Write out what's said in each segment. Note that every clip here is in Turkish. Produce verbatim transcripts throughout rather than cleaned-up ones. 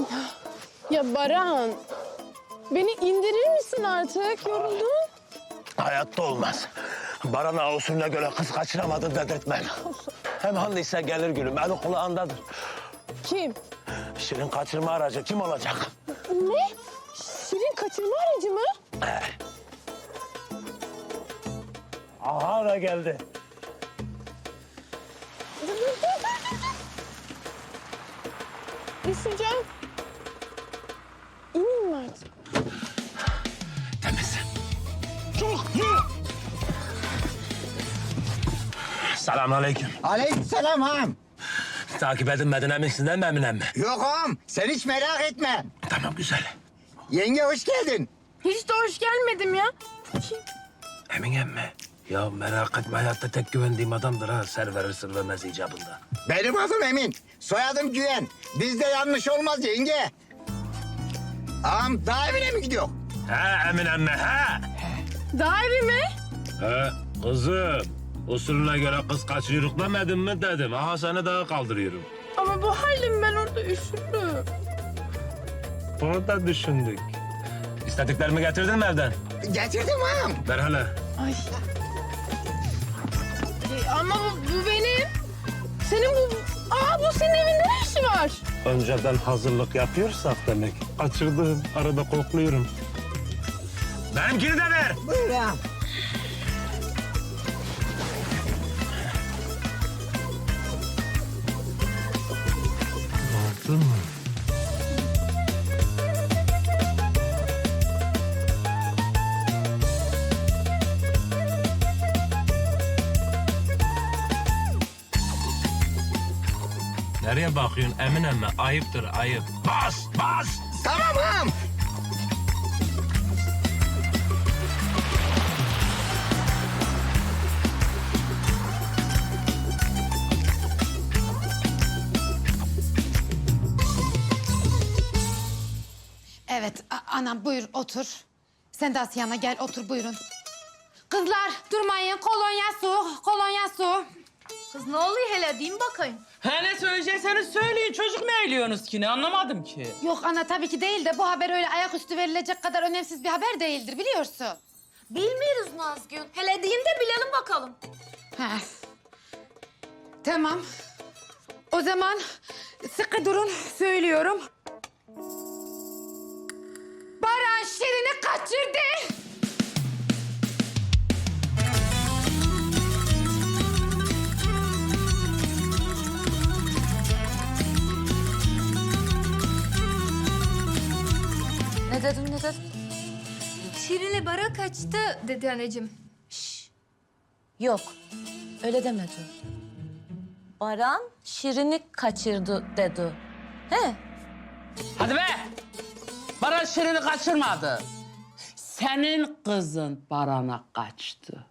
Ya Baran, beni indirir misin artık? Yoruldum. Hayatta olmaz. Baran'a usulüne göre kız kaçıramadın dedirtmem. Hem handıysa gelir gülüm, eli kulağındadır. Kim? Şirin kaçırma aracı kim olacak? Ne? Şirin kaçırma aracı mı? Aha da geldi. Düşeceğim. İneyim mi artık? Temiz. Çok yürü. Selamünaleyküm. Aleykümselam ağam. Takip edilmedin eminsin değil mi Eminem mi? Yok ağam, sen hiç merak etme. Tamam güzel. Yenge hoş geldin. Hiç de hoş gelmedim ya. Eminem mi? Ya merak etme hayatta tek güvendiğim adamdır ha. Server sırlamaz icabında. Benim adım Emin, soyadım Güven. Bizde yanlış olmaz yenge. Ağam daha evine mi gidiyor? Ha Eminem mi ha? Daha evi mi? Ha kızım. Usulüne göre kız kaçırıyoruz demedin mi dedim. Aha seni daha kaldırıyorum. Ama bu halim ben orada üşüdüm. Onu da düşündük. İstediklerimi getirdin mi evden? Getirdim ağam. Ver hele. Ay. E, ama bu, bu benim. Senin bu... Aa bu senin evinde ne işi var? Önceden hazırlık yapıyorsak demek. Kaçırdım. Arada kokluyorum. Benimkini de ver. Buyur ağam. Aldın mı? Nereye bakıyorsun Emine mi? Ayıptır ayıp. Bas bas. Tamam ağam. Evet, a- anam buyur otur. Sen de Asiye'ne gel otur buyurun. Kızlar durmayın, kolonya su, kolonya su. Kız ne oluyor hele diyeyim bakayım. Ha ne söyleyecekseniz söyleyin. Çocuk ne eğiliyorsunuz ki? Ne anlamadım ki. Yok ana tabii ki değil de bu haber öyle ayaküstü verilecek kadar önemsiz bir haber değildir biliyorsun. Bilmiyoruz Nazgül. Hele diyeyim de bilelim bakalım. Ha. Tamam. O zaman sıkı durun söylüyorum. Baran Şirin'i kaçırdı. Ne dedim ne dedim? Şirin'le bara kaçtı dedi anneciğim. Yok, öyle demedi. Baran Şirin'i kaçırdı dedi. He? Hadi be! Baran Şirin'i kaçırmadı. Senin kızın Baran'a kaçtı.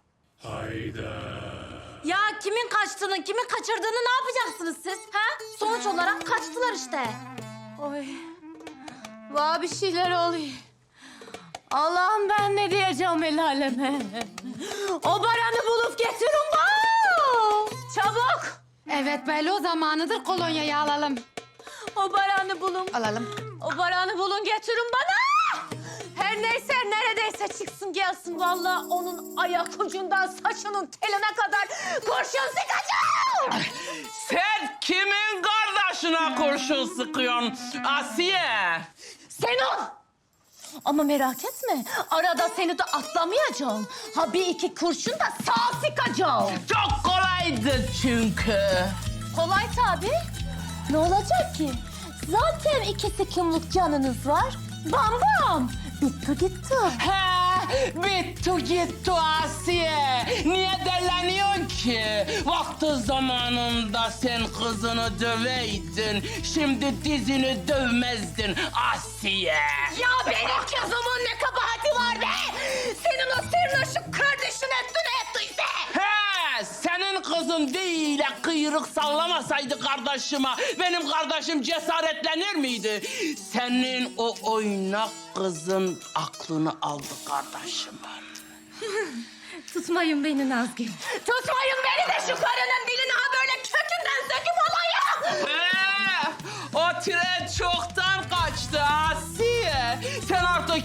Ya kimin kaçtığını, kimin kaçırdığını ne yapacaksınız siz? Ha? Sonuç olarak kaçtılar işte. Oy. Vah bir şeyler oluyor. Allah'ım ben ne diyeceğim el aleme. O Baran'ı bulup getirin bana. Çabuk. Evet belli o zamanıdır kolonyayı alalım. O Baran'ı bulun. Alalım. O Baran'ı bulun getirin bana. Her neyse neredeyse çıksın gelsin. Vallahi onun ayak ucundan saçının teline kadar kurşun sıkacağım. Sen kimin kardeşine kurşun sıkıyorsun Asiye? Senin. Ama merak etme. Arada seni de atlamayacağım. Ha bir iki kurşun da sağ sıkacağım. Çok kolaydı çünkü. Kolay tabii. Ne olacak ki? Zaten iki sıkımlık canınız var. Bam bam. Bitti gitti. He, bitti gitti Asiye. Niye deleniyorsun ki? Vakti zamanında sen kızını döveydin. Şimdi dizini dövmezdin Asiye. Ya benim kızımın ne kabahati var be? Senin o sırnaşık kardeşin etti ne ettiyse. He, senin kızın değil kıyrık sallamasaydı kardeşime benim kardeşim cesaretlenir miydi? Senin o oynak kızın aklını aldı kardeşimin. Tutmayın beni Nazgül. Tutmayın beni de şu karının dilini ha böyle kökünden söküp alayım. He, o tren çoktan kaçtı.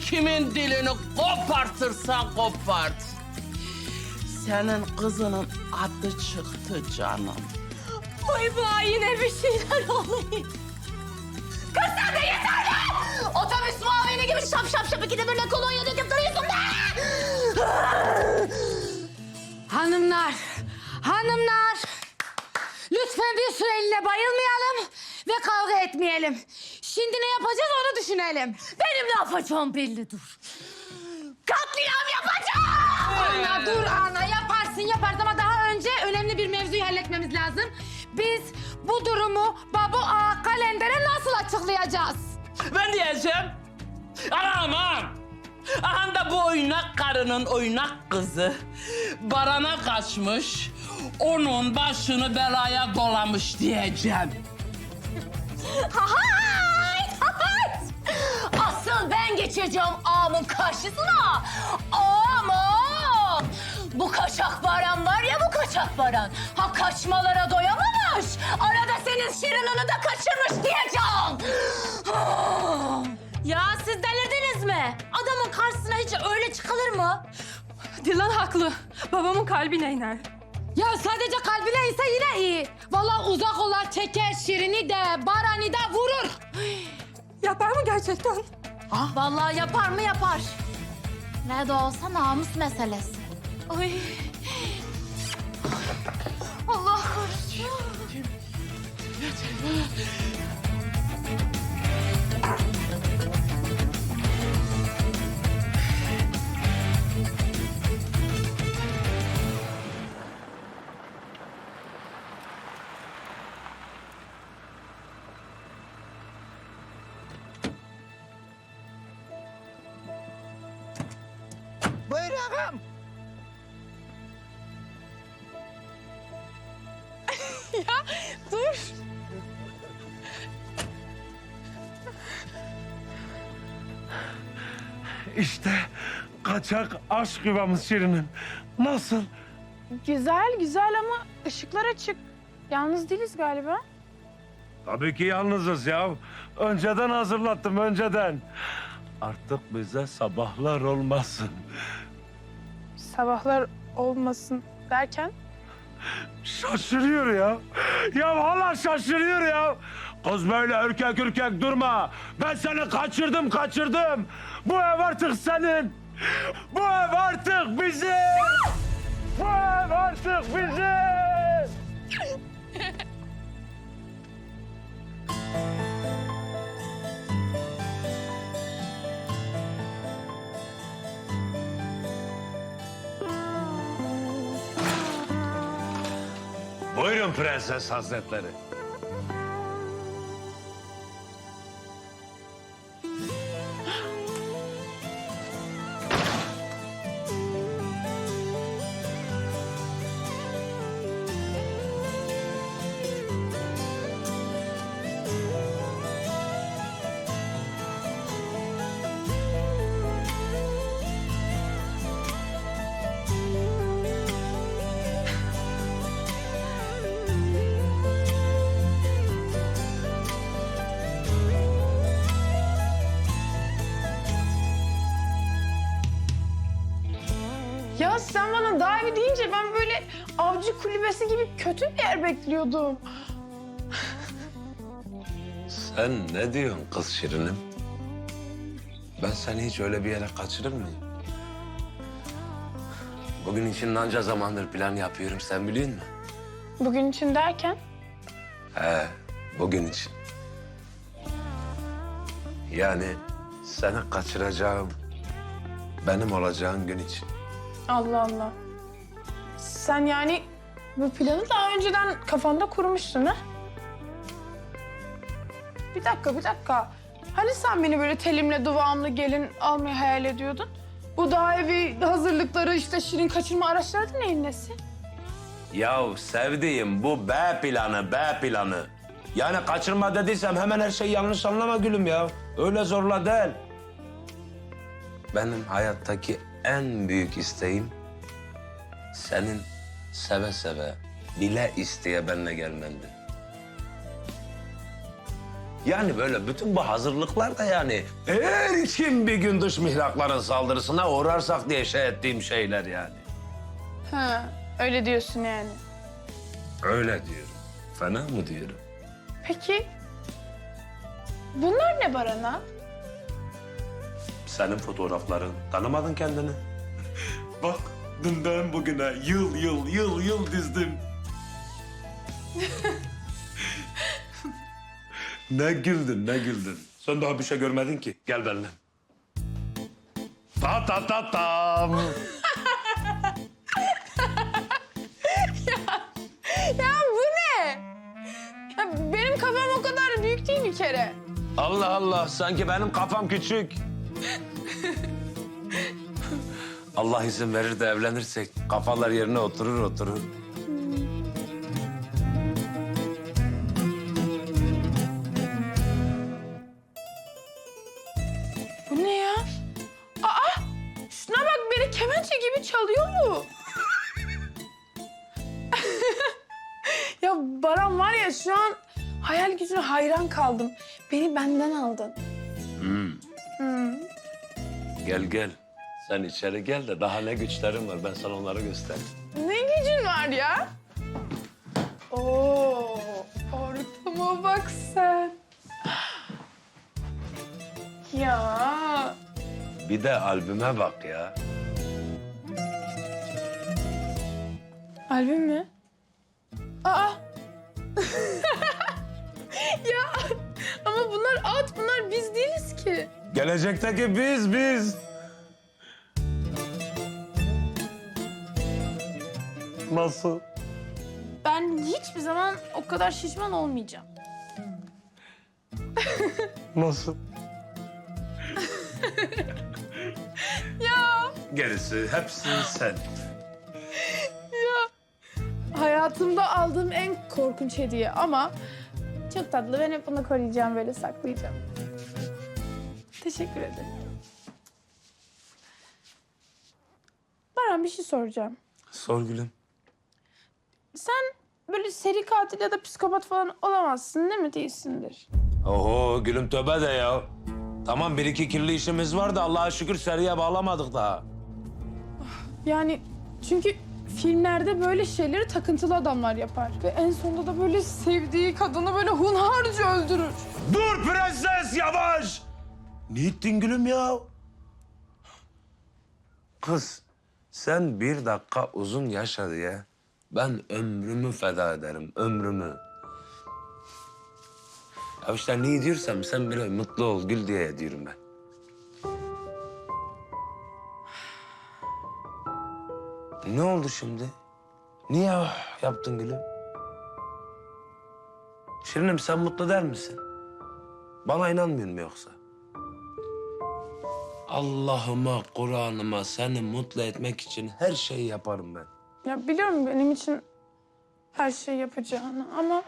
kimin dilini kopartırsan kopart. Senin kızının adı çıktı canım. Ay bana yine bir şeyler oluyor. Kız sen de yeter be! Otobüs muavini gibi şap şap şap ikide böyle kolonya döküp duruyorsun be! Hanımlar, hanımlar. Lütfen bir süreliğine bayılmayalım ve kavga etmeyelim. Şimdi ne yapacağız onu düşünelim. Benim ne yapacağım belli dur. Katliam yapacağım! Ana dur ana yaparsın yaparsın ama daha önce önemli bir mevzuyu halletmemiz lazım. Biz bu durumu Babu Ağa Kalender'e nasıl açıklayacağız? Ben diyeceğim. Aman! Aha da bu oynak karının oynak kızı Baran'a kaçmış, onun başını belaya dolamış diyeceğim. Hay! Hay! Asıl ben geçeceğim ağamın karşısına. Ağamın! Bu kaçak Baran var ya bu kaçak Baran. Ha kaçmalara doyamamış. Arada senin Şirin'ini de kaçırmış diyeceğim. Ya siz delirdiniz mi? Adamın karşısına hiç öyle çıkılır mı? Dilan haklı. Babamın kalbine iner. Ya sadece kalbine ise yine iyi. Vallahi uzak olar çeker Şirin'i de Baran'ı da vurur. Yapar mı gerçekten? Vallahi yapar mı yapar. Ne de olsa namus meselesi. Ay. Allah korusun. Buyur ağam. Dur. İşte kaçak aşk yuvamız Şirinim. Nasıl? Güzel güzel ama ışıklar açık. Yalnız değiliz galiba. Tabii ki yalnızız ya. Önceden hazırlattım, önceden. Artık bize sabahlar olmasın. Sabahlar olmasın derken? Şaşırıyor ya. Ya hala şaşırıyor ya. Kız böyle ürkek ürkek durma. Ben seni kaçırdım, kaçırdım. Bu ev artık senin. Bu ev artık bizim. Bu ev artık bizim. Buyurun Prenses Hazretleri. Ya sen bana daha evi deyince ben böyle avcı kulübesi gibi kötü bir yer bekliyordum. Sen ne diyorsun kız Şirinim? Ben seni hiç öyle bir yere kaçırır mıyım? Bugün için anca zamandır plan yapıyorum, sen biliyor musun? Bugün için derken? He, bugün için. Yani seni kaçıracağım, benim olacağın gün için. Allah Allah. Sen yani bu planı daha önceden kafanda kurmuşsun ha? Bir dakika, bir dakika. Hani sen beni böyle telimle duvağımlı gelin almayı hayal ediyordun? Bu dağ evi hazırlıkları işte Şirin kaçırma araçları da neyin nesi? Yahu sevdiğim bu B planı, B planı. Yani kaçırma dediysem hemen her şeyi yanlış anlama gülüm ya. Öyle zorla değil. Benim hayattaki en büyük isteğim senin seve seve, bile isteye benimle gelmendi. Yani böyle bütün bu hazırlıklar da yani eğer kim bir gün dış mihrakların saldırısına uğrarsak diye şey ettiğim şeyler yani. Ha, öyle diyorsun yani. Öyle diyorum. Fena mı diyorum? Peki bunlar ne Baran'a? Senin fotoğrafların. Tanımadın kendini. Bak dünden bugüne yıl yıl yıl yıl dizdim. Ne güldün ne güldün. Sen daha bir şey görmedin ki. Gel benimle. Ta ta ta tam. Ya bu ne? Ya benim kafam o kadar büyük değil bir kere. Allah Allah sanki benim kafam küçük. Allah izin verir de evlenirsek kafalar yerine oturur oturur. Bu ne ya? Aa! Şuna bak beni kemençe gibi çalıyor mu? Ya Baran var ya şu an hayal gücüne hayran kaldım. Beni benden aldın. Gel gel. Sen içeri gel de daha ne güçlerin var ben sana onları göstereyim. Ne gücün var ya? Oo, ortama bak sen. Ya Bir de albüme bak ya. albüm mü? Aa. Ya ama bunlar at, bunlar biz değiliz ki. Gelecekteki biz biz. Nasıl? Ben hiçbir zaman o kadar şişman olmayacağım. Nasıl? Ya Gerisi hepsi sen. hayatımda aldığım en korkunç hediye ama çok tatlı. Ben hep bunu koruyacağım, böyle saklayacağım. Teşekkür ederim. Baran bir şey soracağım. Sor gülüm. Sen böyle seri katil ya da psikopat falan olamazsın değil mi? Değilsindir. Oho gülüm tövbe de ya. Tamam bir iki kirli işimiz var da Allah'a şükür seriye bağlamadık daha. Yani çünkü filmlerde böyle şeyleri takıntılı adamlar yapar. Ve en sonunda da böyle sevdiği kadını böyle hunharca öldürür. Dur prenses yavaş. Ne ettin gülüm ya? Kız sen bir dakika uzun yaşa diye ben ömrümü feda ederim ömrümü. Ya işte ne diyorsam sen böyle mutlu ol gül diye diyorum ben. Ne oldu şimdi? Niye ah yaptın gülüm? Şirinim sen mutlu der misin? Bana inanmıyor mu yoksa? Allah'ıma, Kur'an'ıma seni mutlu etmek için her şeyi yaparım ben. Ya biliyorum benim için her şeyi yapacağını ama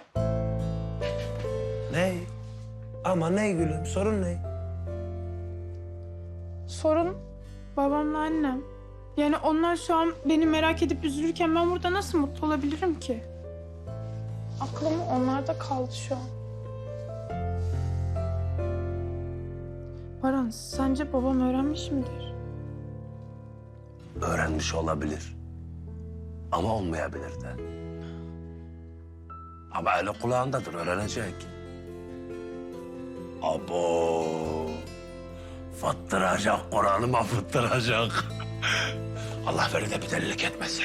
Ne? Ama ne gülüm? Sorun ne? sorun babamla annem. Yani onlar şu an beni merak edip üzülürken ben burada nasıl mutlu olabilirim ki? Aklım onlarda kaldı şu an. Baran, sence babam öğrenmiş midir? Öğrenmiş olabilir. Ama olmayabilir de. Ama eli kulağındadır, öğrenecek. Abo! Fıttıracak, Kur'an'ıma fıttıracak. Allah verir de bir delilik etmese.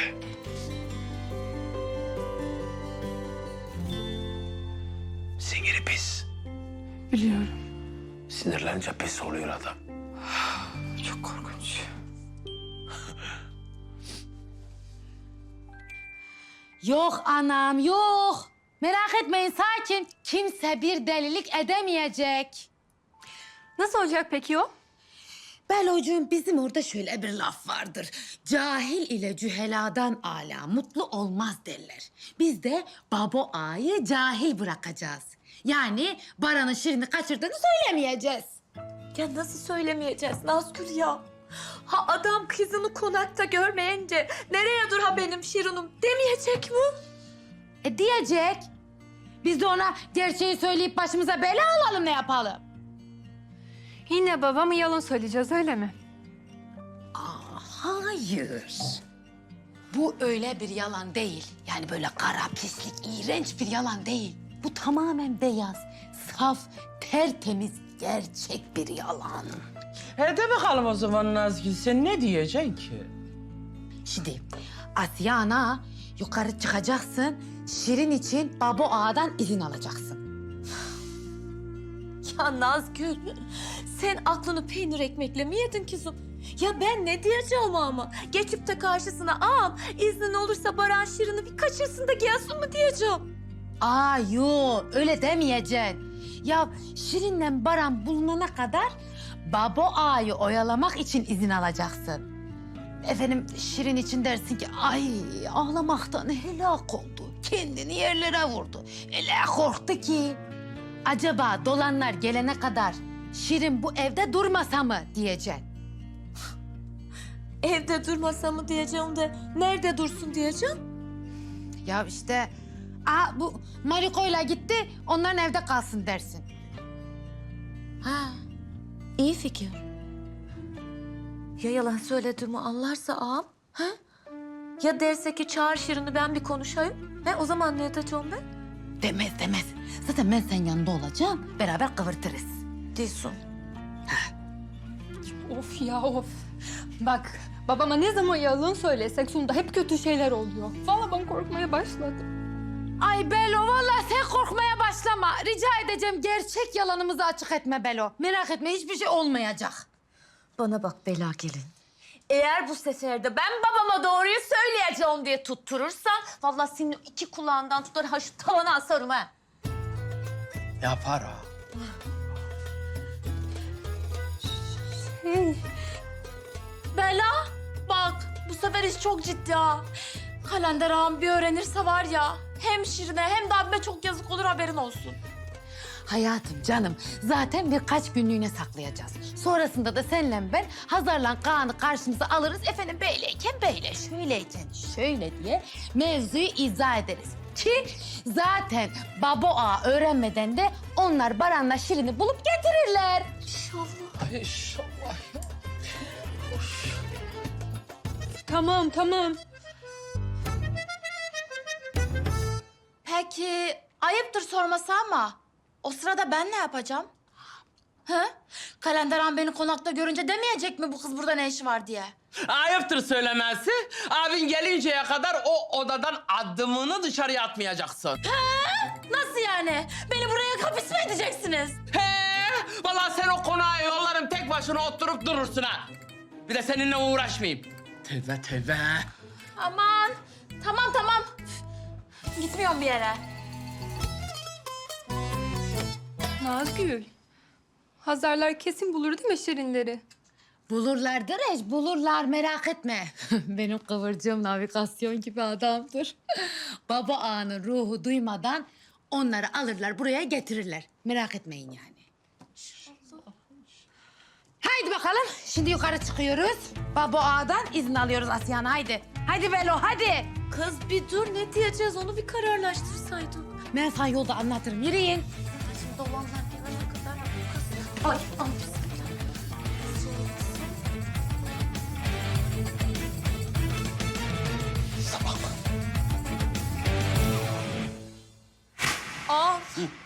Siniri pis. Biliyorum. Sinirlenince pis oluyor adam. Çok korkunç. Yok anam yok. Merak etmeyin sakin. Kimse bir delilik edemeyecek. Nasıl olacak peki o? Belocuğum bizim orada şöyle bir laf vardır. Cahil ile cüheladan âlâ mutlu olmaz derler. Biz de babo ağayı cahil bırakacağız. Yani Baran'ın Şirin'i kaçırdığını söylemeyeceğiz. Ya nasıl söylemeyeceğiz Nazgül ya? Ha adam kızını konakta görmeyince nereye dur ha benim Şirin'im demeyecek mi? E diyecek. Biz de ona gerçeği söyleyip başımıza bela alalım, ne yapalım? Yine babamı yalan söyleyeceğiz öyle mi? Hayır. Bu öyle bir yalan değil. Yani böyle kara, pislik, iğrenç bir yalan değil. Bu tamamen beyaz, saf, tertemiz, gerçek bir yalan. He de bakalım o zaman Nazgül, sen ne diyeceksin ki? Şimdi Asiye ana yukarı çıkacaksın. Şirin için Babo Ağa'dan izin alacaksın. Ya Nazgül, sen aklını peynir ekmekle mi yedin kızım? Ya ben ne diyeceğim ama? Geçip de karşısına ağam iznin olursa Baran Şirin'i bir kaçırsın da gelsin mi diyeceğim? Aa yo, öyle demeyeceksin. Ya Şirin'le Baran bulunana kadar Babo Ağa'yı oyalamak için izin alacaksın. Efendim Şirin için dersin ki ay ağlamaktan helak oldu. Kendini yerlere vurdu. Öyle korktu ki. Acaba dolanlar gelene kadar Şirin bu evde durmasa mı diyeceksin. Evde durmasa mı diyeceğim de nerede dursun diyeceğim? Ya işte aa, bu Mariko'yla gitti onların evde kalsın dersin. Ha, iyi fikir. Ya yalan söylediğimi anlarsa ağam? Ha? Ya derse ki çağır Şirin'i ben bir konuşayım? He, o zaman ne edeceğim ben? Demez demez. Zaten ben senin yanında olacağım. Beraber kıvırtırız. Diyorsun. Of ya of. Bak babama ne zaman yalan söylesek sonunda hep kötü şeyler oluyor. Vallahi ben korkmaya başladım. Ay Belo vallahi sen korkmaya başlama. Rica edeceğim gerçek yalanımızı açık etme Belo. Merak etme hiçbir şey olmayacak. Bana bak bela gelin. Eğer bu sefer de ben babama doğruyu söyleyeceğim diye tutturursan... ...vallahi senin iki kulağından tutar ha şu tavana asarım ha. Yapar ha. Bela bak bu sefer iş çok ciddi ha. Kalender ağam bir öğrenirse var ya... ...hem Şirin'e hem de abime çok yazık olur haberin olsun. Hayatım canım zaten birkaç günlüğüne saklayacağız. Sonrasında da senle ben Hazar'la Kaan'ı karşımıza alırız. Efendim böyleyken böyle, şöyleyken şöyle diye mevzuyu izah ederiz. Ki zaten Babo Ağa öğrenmeden de onlar Baran'la Şirin'i bulup getirirler. Ay inşallah. Tamam tamam. Peki ayıptır sorması ama o sırada ben ne yapacağım? He? Kalender ağam beni konakta görünce demeyecek mi bu kız burada ne işi var diye? Ayıptır söylemesi. Abin gelinceye kadar o odadan adımını dışarıya atmayacaksın. Nasıl yani? Beni buraya kapıs mı edeceksiniz? He! Vallahi sen o konağa yollarım tek başına oturup durursun ha. Bir de seninle uğraşmayayım. Tövbe tövbe. Aman tamam tamam. Gitmiyorum bir yere. Nazgül. Hazarlar kesin bulur değil mi Şirinleri? Bulurlar Dereş, bulurlar merak etme. Benim kıvırcığım navigasyon gibi adamdır. Baba Ağa'nın ruhu duymadan onları alırlar buraya getirirler. Merak etmeyin yani. Haydi bakalım şimdi yukarı çıkıyoruz. Baba Ağa'dan izin alıyoruz Asyan haydi. Haydi Velo hadi. Kız bir dur ne diyeceğiz onu bir kararlaştırsaydık. Ben sana yolda anlatırım yürüyün. Şimdi olanlar gelene kadar kız... Ay ay. Ağam.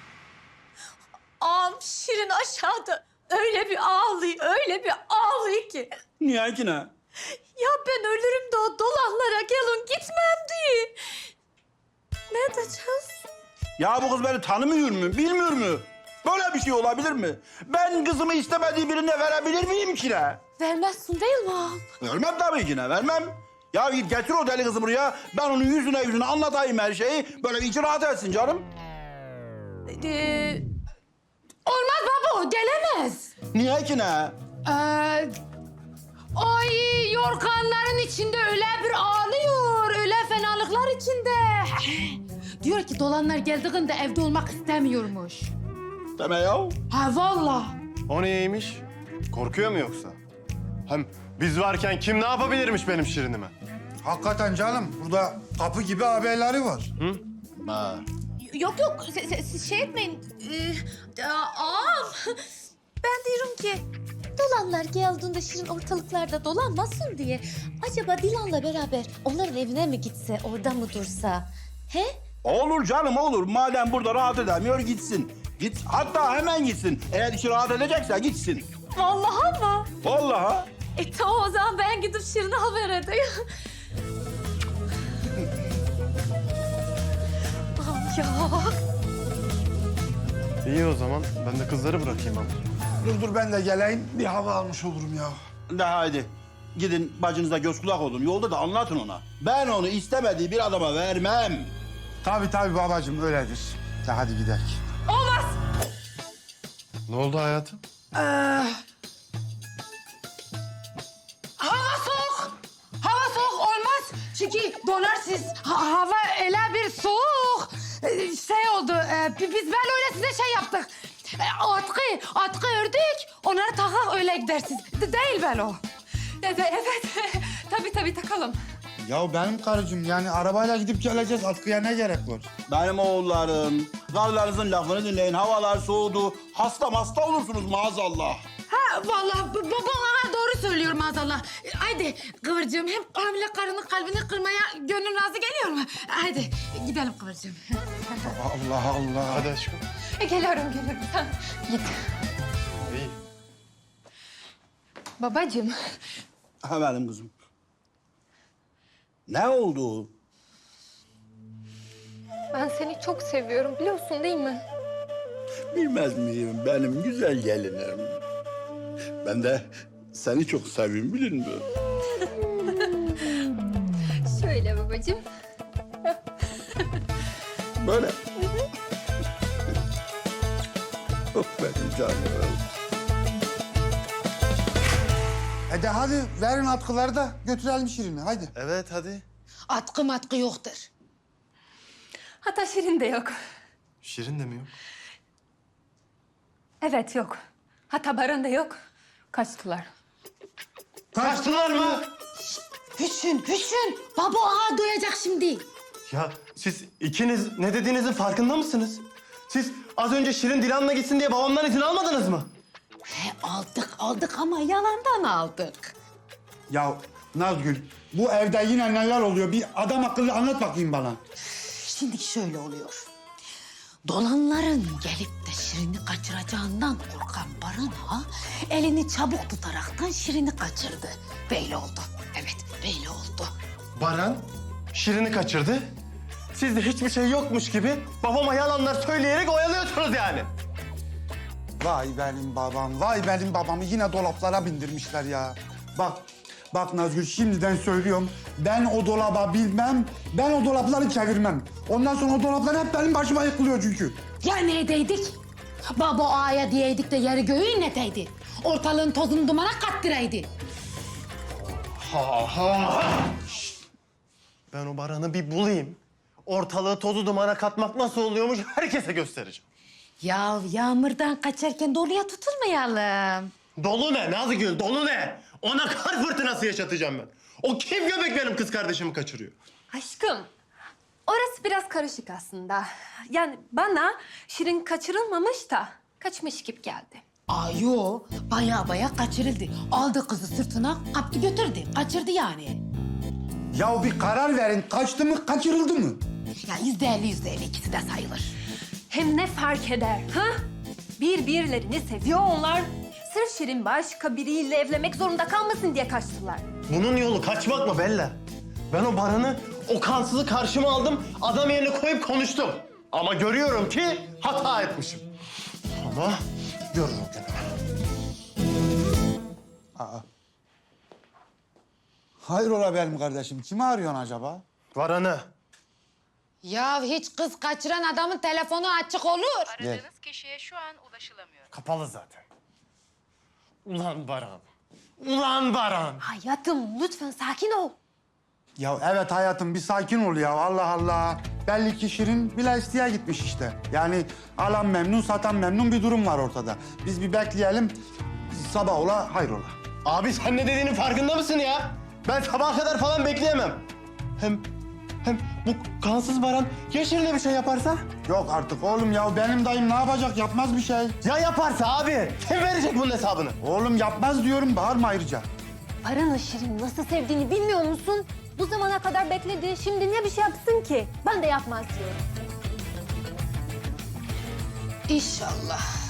Ağam Şirin aşağıda öyle bir ağlıyor, öyle bir ağlıyor ki. Niye ki ne? Ya ben ölürüm de o dolanlara gelin gitmem diye. Ne edeceğiz? Ya bu kız beni tanımıyor mu, bilmiyor mu? Böyle bir şey olabilir mi? Ben kızımı istemediği birine verebilir miyim ki ne? Vermezsin değil mi ağam? Vermem tabii ki ne, vermem. Ya git getir o deli kızı buraya. Ben onun yüzüne yüzüne anlatayım her şeyi. Böyle bir içi rahat etsin canım. Ee, Olmaz baba gelemez. Niye ki ne? Ee, ay yorganların içinde öyle bir ağlıyor. Öyle fenalıklar içinde. Diyor ki dolanlar geldiğinde evde olmak istemiyormuş. Deme ya. Ha vallahi. O neymiş? Korkuyor mu yoksa? Hem biz varken kim ne yapabilirmiş benim Şirin'ime? Hakikaten canım burada kapı gibi haberleri var. Ha. Yok yok se- se- siz şey etmeyin. Ee, ağam ben diyorum ki Dolanlar geldiğinde Şirin ortalıklarda dolanmasın diye acaba Dilan'la beraber onların evine mi gitse, orada mı dursa? He? Olur canım olur. Madem burada rahat edemiyor gitsin. Git hatta hemen gitsin. Eğer işi rahat edecekse gitsin. Vallahi mı? Vallahi. E tamam o zaman ben gidip Şirin'e haber edeyim. Ağam ya. İyi o zaman. Ben de kızları bırakayım ama. Dur dur ben de geleyim. Bir hava almış olurum ya. De haydi. Gidin bacınıza göz kulak olun. Yolda da anlatın ona. Ben onu istemediği bir adama vermem. Tabii tabii babacığım öyledir. De hadi gidelim. Ne oldu hayatım? Hava soğuk. Hava soğuk olmaz. Çünkü donarsınız. Ha- hava öyle bir soğuk. Ee, Şey oldu. e, bi- biz böyle öyle size şey yaptık. E, Atkı, atkı ördük. Onları takak öyle gidersiniz. De- değil böyle o. Evet, evet. tabii tabii takalım. Ya benim karıcığım yani arabayla gidip geleceğiz. Atkıya ne gerek var? Benim oğullarım, karılarınızın lafını dinleyin. Havalar soğudu. Hasta hasta olursunuz maazallah. Ha vallahi b- babam ha, doğru söylüyor maazallah. E, Haydi Kıvırcığım hem hamile karının kalbini kırmaya gönlün razı geliyor mu? Haydi gidelim Kıvırcığım. Allah Allah. Hadi aşkım. E, geliyorum geliyorum sen git. İyi. Babacığım. Ha benim kızım. Ne oldu? Ben seni çok seviyorum biliyorsun değil mi? Bilmez miyim benim güzel gelinim? Ben de seni çok seviyorum bilin mi? Şöyle babacığım. Böyle. Oh benim canım. E de hadi verin atkıları da götürelim Şirin'i hadi. Evet hadi. Atkı matkı yoktur. Hatta Şirin de yok. Şirin de mi yok? Evet yok. Hatta Baran da yok. Kaçtılar. Kaçtılar mı? Hüsün, Hüsün. Baba ağa duyacak şimdi. Ya siz ikiniz ne dediğinizin farkında mısınız? Siz az önce Şirin Dilan'la gitsin diye babamdan izin almadınız mı? He, aldık aldık ama yalandan aldık. Ya Nazgül bu evde yine neler oluyor? Bir adam akıllı anlat bakayım bana. Şimdi şöyle oluyor. Dolanların gelip de Şirin'i kaçıracağından korkan Baran Ağa elini çabuk tutaraktan Şirin'i kaçırdı. Böyle oldu. Evet, böyle oldu. Baran Şirin'i kaçırdı. Siz de hiçbir şey yokmuş gibi babama yalanlar söyleyerek oyalıyorsunuz yani. Vay benim babam, vay benim babamı yine dolaplara bindirmişler ya. Bak, bak Nazgül şimdiden söylüyorum. Ben o dolaba bilmem, ben o dolapları çevirmem. Ondan sonra o dolaplar hep benim başıma yıkılıyor çünkü. Ya neredeydik? Baba Ağa'ya diyeydik de yeri göğü inleteydi. Ortalığın tozunu dumana kattıraydı. Ha ha. Ben o Baran'ı bir bulayım. Ortalığı tozu dumana katmak nasıl oluyormuş herkese göstereceğim. Ya yağmurdan kaçarken doluya tutulmayalım. Dolu ne Nazgül, dolu ne? Ona kar fırtınası yaşatacağım ben. O kim göbek benim kız kardeşimi kaçırıyor? Aşkım, orası biraz karışık aslında. Yani bana Şirin kaçırılmamış da kaçmış gibi geldi. Ay yo, baya baya kaçırıldı. Aldı kızı sırtına, kaptı götürdü. Kaçırdı yani. Ya bir karar verin, kaçtı mı, kaçırıldı mı? Ya yüzde elli, yüzde elli ikisi de sayılır. Hem ne fark eder, ha? Birbirlerini seviyor onlar. Sırf Şirin başka biriyle evlenmek zorunda kalmasın diye kaçtılar. Bunun yolu kaçmak mı Bella? Ben o Baran'ı, o kansızı karşıma aldım, adam yerine koyup konuştum. Ama görüyorum ki hata etmişim. Ama görür o günü. Hayrola benim kardeşim, kimi arıyorsun acaba? Baran'ı. Ya hiç kız kaçıran adamın telefonu açık olur. Aradığınız kişiye şu an ulaşılamıyor. Kapalı zaten. Ulan Baran. Ulan Baran. Hayatım lütfen sakin ol. Ya evet hayatım bir sakin ol ya Allah Allah. Belli ki Şirin Bileşti'ye gitmiş işte. Yani alan memnun, satan memnun bir durum var ortada. Biz bir bekleyelim, sabah ola hayrola. Abi sen ne dediğinin farkında mısın ya? Ben sabaha kadar falan bekleyemem. Hem hem Bu kansız Baran ya Şirin'e bir şey yaparsa? Yok artık oğlum ya benim dayım ne yapacak yapmaz bir şey. Ya yaparsa abi? Kim verecek bunun hesabını? Oğlum yapmaz diyorum bağırma ayrıca. Baran'ı Şirin nasıl sevdiğini bilmiyor musun? Bu zamana kadar bekledi. Şimdi ne bir şey yapsın ki? Ben de yapmaz diyorum. İnşallah.